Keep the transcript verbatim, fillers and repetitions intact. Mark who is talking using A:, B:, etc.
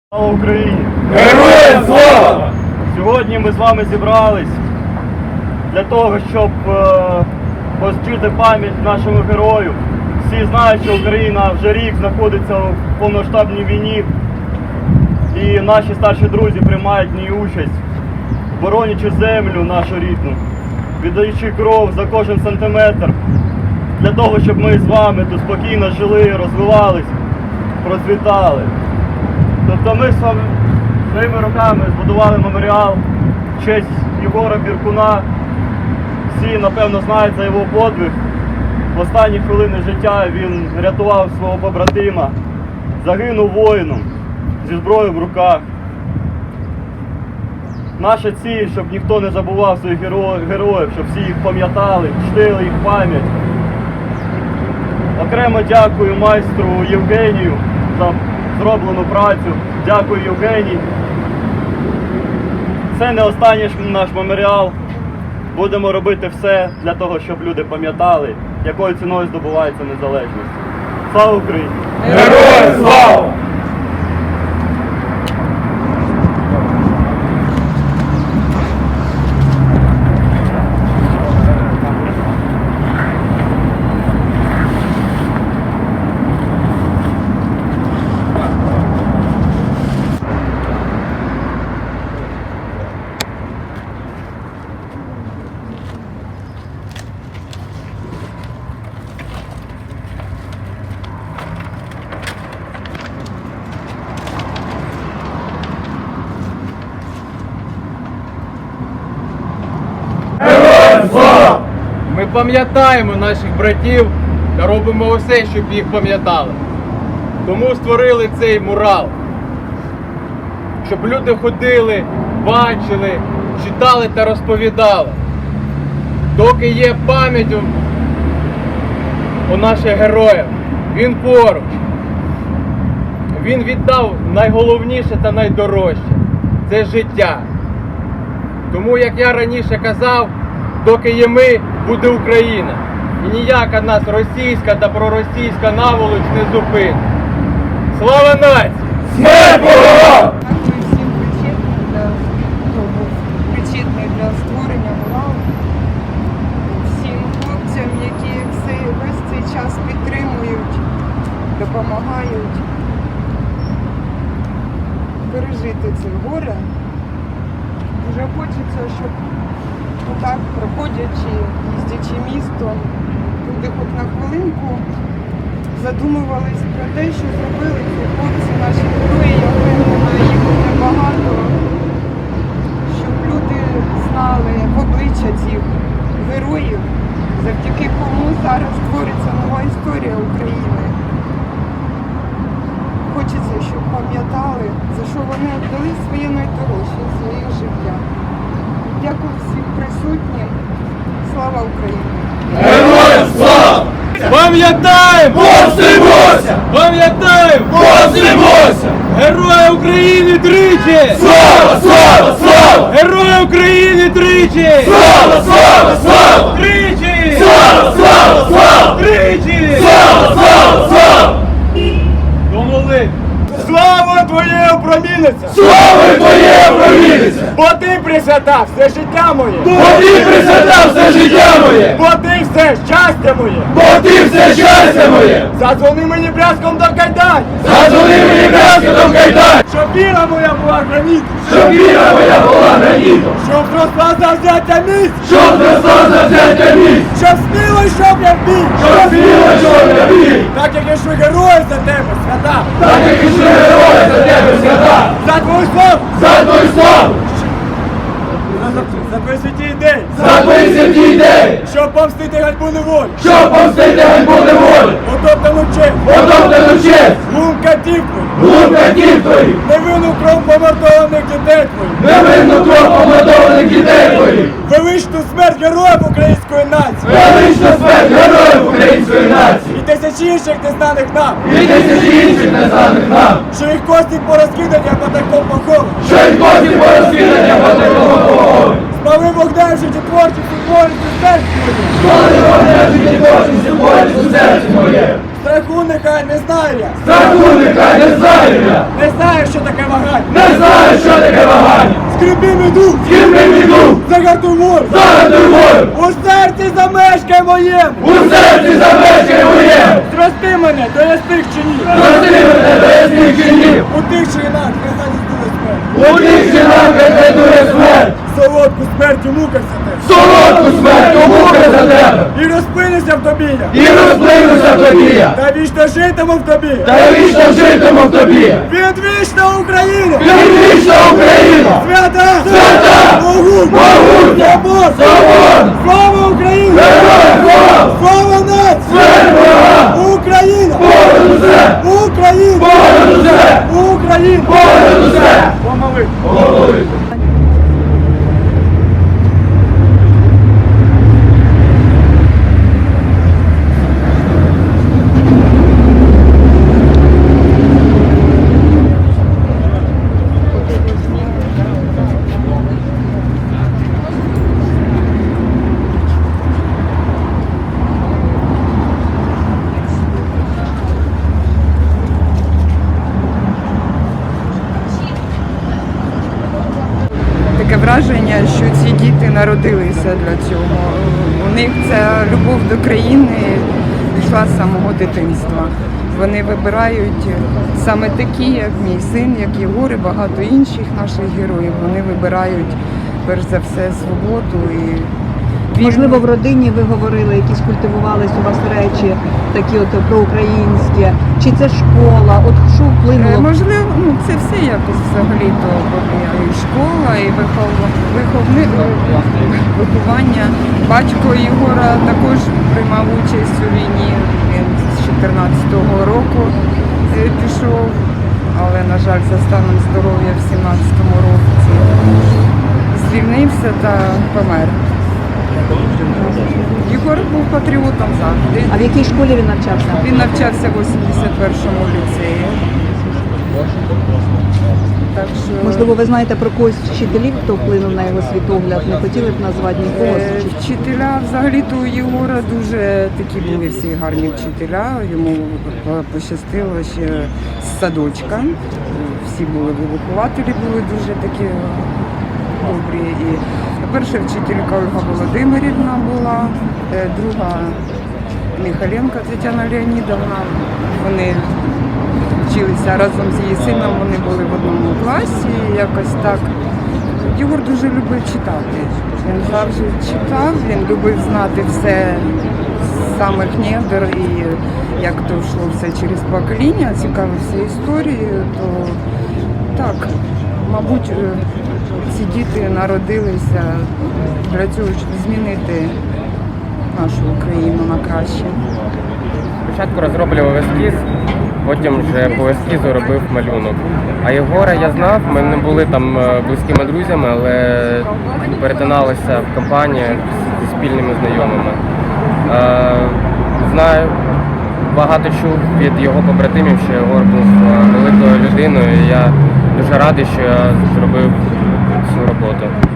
A: Слава Україні!
B: Героям слава!
A: Сьогодні ми з вами зібрались для того, щоб е, почтити пам'ять нашому герою. Всі знають, що Україна вже рік знаходиться в повномасштабній війні, і наші старші друзі приймають в ній участь, боронячи землю нашу рідну, віддаючи кров за кожен сантиметр, для того, щоб ми з вами тут спокійно жили, розвивались, процвітали. Тобто ми своїми руками збудували меморіал в честь Єгора Біркуна. Всі, напевно, знають за його подвиг. В останні хвилини життя він рятував свого побратима, загинув воїном зі зброєю в руках. Наша ціль, щоб ніхто не забував своїх героїв, щоб всі їх пам'ятали, чтили їх пам'ять. Окремо дякую майстру Євгенію за зроблену працю. Дякую, Євгеній. Це не останній наш меморіал. Будемо робити все для того, щоб люди пам'ятали, якою ціною здобувається незалежність. Слава Україні!
B: Героям слава!
C: Ми пам'ятаємо наших братів та робимо усе, щоб їх пам'ятали. Тому створили цей мурал. Щоб люди ходили, бачили, читали та розповідали. Доки є пам'ять у, у наших героїв, він поруч. Він віддав найголовніше та найдорожче – це життя. Тому, як я раніше казав, доки є ми, буде Україна. І ніяка нас російська та проросійська наволоч не зупинить. Слава нації!
B: Смерть ворогам!
D: Дякую всім причетним для, хто був причетний для створення муралу. Всім хлопцям, які все, весь цей час підтримують, допомагають пережити це горе. Дуже хочеться, щоб отак, проходячи, їздячи містом, люди хоч на хвилинку задумувались про те, що зробили ці хлопці, наші герої, я впевнена, їх буде багато, щоб люди знали обличчя цих героїв, завдяки кому зараз твориться нова історія України. Хочеться, щоб пам'ятали, за що вони віддали своє найдорожче, своє життя. Дякую всім присутнім. Слава Україні!
B: Героям слава!
C: Пам'ятаємо!
B: Повстимося!
C: Пам'ятаємо!
B: Повстимося!
C: Герої України тричі!
B: Слава, слава, слава!
C: Герої України тричі!
B: Слава, слава, слава!
C: Тричі!
B: Слава, слава, слава!
C: Тричі!
B: Слава, слава, слава!
C: До молитви!
A: Слава Твоє опроміниться!
B: Слава Твоє провідниця!
A: Бо Ти присвятав все життя моє!
B: Бо Ти присвятав все життя моє!
A: Бо Ти все щастя моє!
B: Бо Ти все щастя моє!
A: Задзвони мені брязком до кайдань!
B: Задзвони мені брязкотом кайдан!
A: Щоб віра моя була гранітом!
B: Щоб віра моя була гранітом!
A: Щоб зросла завзяття місць!
B: Щоб зросла завзяття місць!
A: Щоб сміло йшов я в бій!
B: Щоб сміло йшов я бій!
A: Так як ішли герої за тебе, свята!
B: Так як ішли герої за тебе свята!
A: За твою славу!
B: За твою славу!
A: За твої святі ідеї!
B: За твої святі ідеї!
A: Щоб помстити ганьбу неволі!
B: Щоб помстити ганьбу неволі!
A: Потоптану честь!
B: Потоптану честь!
A: Глум катів твоїх!
B: Глум катів твоїх!
A: Невинну кров помордованих дітей твоїх!
B: Невинну кров помордованих дітей твоїх!
A: Величну смерть героїв української нації!
B: Величну смерть героїв української нації!
A: І тисячі інших незнаних нам!
B: І тисячі інших незнаних нам!
A: Що їх кості порозкидані, а потайком поховані!
B: Що й кості порозкидання по такому погоді!
A: Спали вогнем життєтворчість і творчість у серці моїй!
B: Коли вогнем життєтворчість і творчість у серці моє!
E: Страху нехай не знає,
B: Страху нехай не знаю я,
E: не знає, що таке вагань.
B: не знаю, що таке вагання.
E: Скріпи іду,
B: З ким не йду,
E: загартуй мор.
B: загадуй волю,
E: У серці замешкай моєму.
B: у серці замешкай моєму.
E: Зрости мене, до ясних чинів.
B: Прости мене до ясних чинів,
E: У тих чинах нехай не здує смерть.
B: у тих чинах не дує смерть.
E: Солодку смертю мукався ти.
B: Солодку смерть у муки за тебе,
E: І розпинися в тобі я.
B: і розплинуся в тобі я,
E: Та вічно житиму в тобі.
B: та я вічно житиму в тобі.
E: Відвічна Україна!
B: Вічна Україна!
E: Свята!
B: Свята!
E: Могутня!
B: Могутня!
E: Свобода!
B: Свобода!
E: Слава Україні!
B: Героям слава!
E: Слава нації!
B: Смерть ворогам!
E: Україна!
B: Понад усе!
E: Україна!
B: Понад усе!
E: Україна!
B: Понад усе!
E: Помоли!
B: Голови!
D: Таке враження, що ці діти народилися для цього. У них ця любов до країни пішла з самого дитинства. Вони вибирають саме такі, як мій син, як Єгор і багато інших наших героїв. Вони вибирають перш за все свободу і вільну.
F: Можливо, в родині ви говорили, якісь культивувались у вас речі, такі от проукраїнські, чи це школа, от що
D: Е,
F: вплинуло?
D: Можливо, ну це все якось взагалі-то і школа, і вихов... виховни... виховання. Батько Ігора також приймав участь у війні. Він з чотирнадцятого року е, пішов, але, на жаль, за станом здоров'я в сімнадцятому році звільнився та помер. Єгор був патріотом завжди.
F: А в якій школі він навчався?
D: Він навчався в вісімдесят першому ліцеї. Так що,
F: Можливо, ви знаєте про когось з вчителів, хто вплинув на його світогляд? Не хотіли б назвати нікого?
D: е,
F: Чи-
D: вчителя, взагалі-то у Єгора дуже такі були всі гарні вчителя. Йому е, пощастило ще з садочка. Всі були вихователі, були дуже такі добрі. І перша вчителька Ольга Володимирівна була, е, друга Михайленко Тетяна Леонідовна. Вони вчилися разом з її сином, вони були в одному класі, якось так. Єгор дуже любив читати. Він завжди читав, він любив знати все з самих недр і як то йшло все через покоління, цікавився історією, то так, мабуть, е, ці діти народилися для цього, щоб змінити нашу Україну на краще.
G: Спочатку розроблював ескіз, потім вже по ескізу робив малюнок. А Єгора я знав, ми не були там е, близькими друзями, але перетиналися в компаніях зі спільними знайомими. Е, Знаю, багато чув від його побратимів, що Єгор був е, великою людиною, і я дуже радий, що я зробив цю роботу.